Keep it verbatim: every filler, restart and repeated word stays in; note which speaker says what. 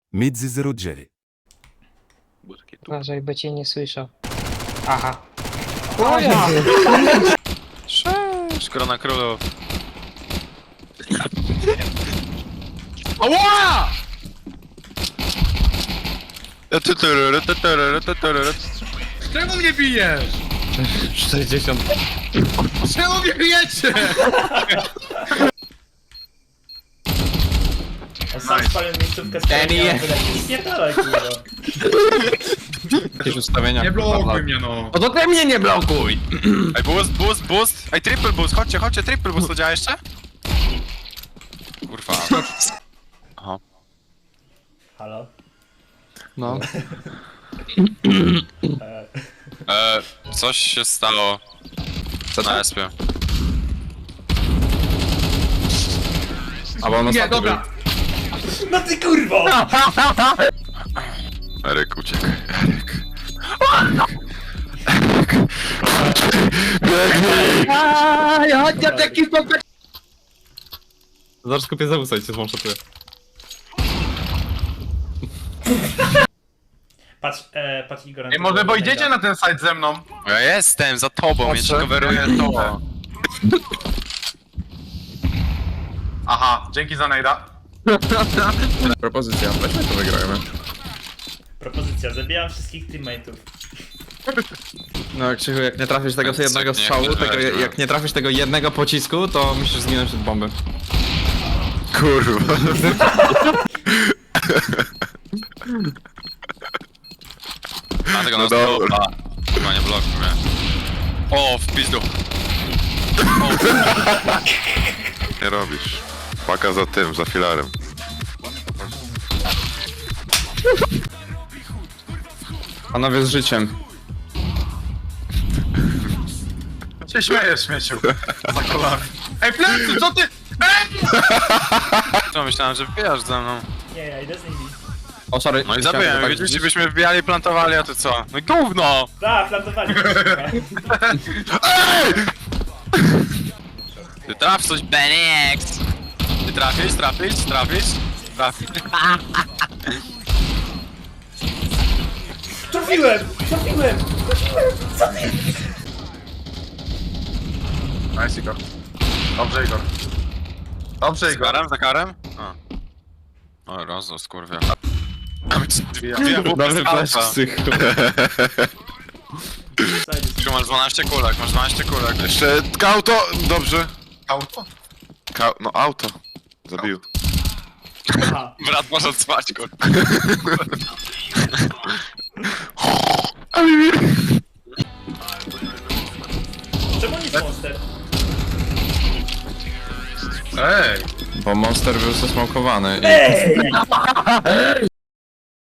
Speaker 1: Mezzi zero Jerry.
Speaker 2: Uważaj, bo cię nie słyszał. Aha.
Speaker 3: Cześć, korona królów.
Speaker 4: Ała! Czemu mnie bijesz?
Speaker 5: sześćdziesiąt.
Speaker 4: Czemu mnie bijecie?
Speaker 6: On sam spalił miejscówkę z kolejną wyleci. Spierdalaj, kurwa.
Speaker 5: Jakieś ustawienia.
Speaker 4: Nie
Speaker 5: kurwa,
Speaker 4: blokuj
Speaker 5: dla-
Speaker 4: mnie, no.
Speaker 5: No to ty mnie nie blokuj!
Speaker 3: Ej, boost, boost, boost. Ej, triple boost, chodźcie, chodźcie, triple boost, to działa jeszcze? Kurwa. Aha.
Speaker 6: Halo?
Speaker 5: No.
Speaker 3: E, coś się stało.
Speaker 5: Co
Speaker 3: Na
Speaker 5: tam?
Speaker 3: respie.
Speaker 5: A bo on
Speaker 4: Nie,
Speaker 5: ostatni
Speaker 4: dobra.
Speaker 6: No ty kurwo!
Speaker 3: Eryk, uciekł.
Speaker 5: był. Zaraz kupię zawód, cię złączotuję.
Speaker 6: Patrz, e, patrz Igor.
Speaker 4: Ej, może bo idziecie na ten site ze mną?
Speaker 3: Ja jestem za tobą, ja ci
Speaker 5: Patrzę.
Speaker 3: coveruję to.
Speaker 4: Aha, dzięki za najda.
Speaker 5: Propozycja, weźmy to wygrajmy.
Speaker 6: Propozycja, zabijam wszystkich teammateów.
Speaker 5: No Krzychu, jak nie trafisz tego
Speaker 3: Więc
Speaker 5: jednego
Speaker 3: nie,
Speaker 5: strzału,
Speaker 3: nie
Speaker 5: tego,
Speaker 3: weźmy.
Speaker 5: jak nie trafisz tego jednego pocisku, to musisz zginąć od bomby.
Speaker 3: Kurwa. A tego no dobra. Chyba nie blokuj mnie. O, w pizdu.
Speaker 7: Nie robisz. Paka za tym, za filarem.
Speaker 5: Panowie z życiem.
Speaker 4: Się śmiejesz, śmieciu. Za kolami. Ej, plecy, co ty? Ej!
Speaker 3: To myślałem, że wbijasz ze mną.
Speaker 6: Nie, ja idę z nimi.
Speaker 5: O, sorry.
Speaker 3: No i
Speaker 5: chciałem
Speaker 3: zabiłem,
Speaker 5: tak
Speaker 3: widzieliście,
Speaker 5: rzucić.
Speaker 3: byśmy wbijali, plantowali, a ty co? No i gówno!
Speaker 6: Da, plantowali.
Speaker 3: Ty traf coś, Benix! Ty trafisz, trafisz, trafisz, trafisz.
Speaker 6: Trafiłem! Trafiłem!
Speaker 4: Nice, Igor. Dobrze, Igor. Dobrze,
Speaker 3: Z
Speaker 4: Igor.
Speaker 3: karem, za karem? A. O, rozos, kurwa. Dwie
Speaker 5: Dobry flash,
Speaker 3: alfa.
Speaker 5: Krzychu.
Speaker 3: Krzysiu, masz dwanaście kulek, masz dwanaście kulek.
Speaker 7: Jeszcze auto! Dobrze.
Speaker 4: Auto?
Speaker 7: Ka no auto. Zabił.
Speaker 6: Aha.
Speaker 3: Brat może spać, kurwa.
Speaker 6: Czemu nie jest monster?
Speaker 4: Ej!
Speaker 5: Bo monster był zasmokowany i...
Speaker 6: Ej!